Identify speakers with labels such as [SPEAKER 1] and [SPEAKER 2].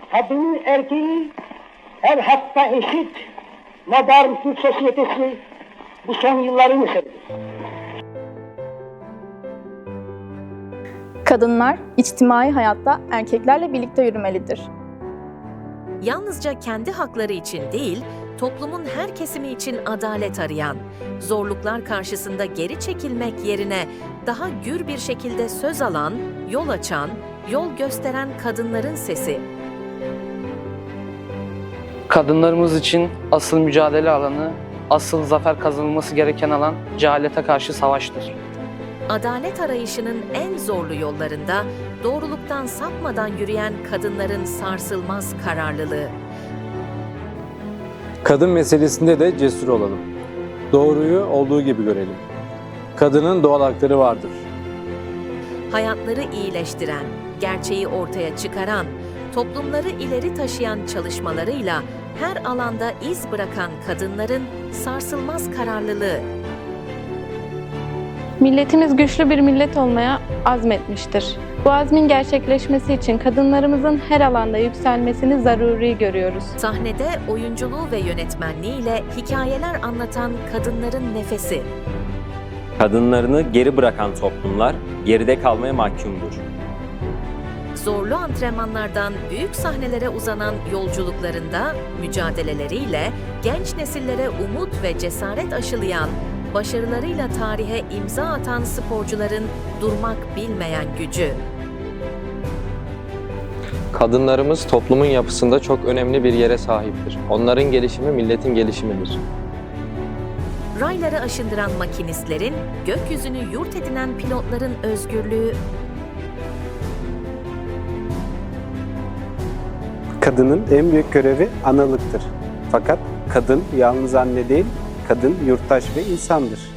[SPEAKER 1] kadın erkeği her hakta eşit modern Türk sosyetesi bu son yılların eseridir.
[SPEAKER 2] Kadınlar içtimai hayatta erkeklerle birlikte yürümelidir.
[SPEAKER 3] Yalnızca kendi hakları için değil, toplumun her kesimi için adalet arayan, zorluklar karşısında geri çekilmek yerine daha gür bir şekilde söz alan, yol açan, yol gösteren kadınların sesi.
[SPEAKER 4] Kadınlarımız için asıl mücadele alanı, asıl zafer kazanılması gereken alan cehalete karşı savaştır.
[SPEAKER 3] Adalet arayışının en zorlu yollarında doğruluktan sapmadan yürüyen kadınların sarsılmaz kararlılığı.
[SPEAKER 5] Kadın meselesinde de cesur olalım. Doğruyu olduğu gibi görelim. Kadının doğal hakları vardır.
[SPEAKER 3] Hayatları iyileştiren, gerçeği ortaya çıkaran, toplumları ileri taşıyan çalışmalarıyla her alanda iz bırakan kadınların sarsılmaz kararlılığı.
[SPEAKER 6] Milletimiz güçlü bir millet olmaya azmetmiştir. Bu azmin gerçekleşmesi için kadınlarımızın her alanda yükselmesini zaruri görüyoruz.
[SPEAKER 3] Sahnede oyunculuğu ve yönetmenliğiyle hikayeler anlatan kadınların nefesi.
[SPEAKER 7] Kadınlarını geri bırakan toplumlar geride kalmaya mahkumdur.
[SPEAKER 3] Zorlu antrenmanlardan büyük sahnelere uzanan yolculuklarında mücadeleleriyle genç nesillere umut ve cesaret aşılayan, başarılarıyla tarihe imza atan sporcuların durmak bilmeyen gücü.
[SPEAKER 8] Kadınlarımız toplumun yapısında çok önemli bir yere sahiptir. Onların gelişimi milletin gelişimidir.
[SPEAKER 3] Rayları aşındıran makinistlerin, gökyüzünü yurt edinen pilotların özgürlüğü.
[SPEAKER 9] Kadının en büyük görevi analıktır. Fakat kadın yalnız anne değil, kadın yurttaş ve insandır.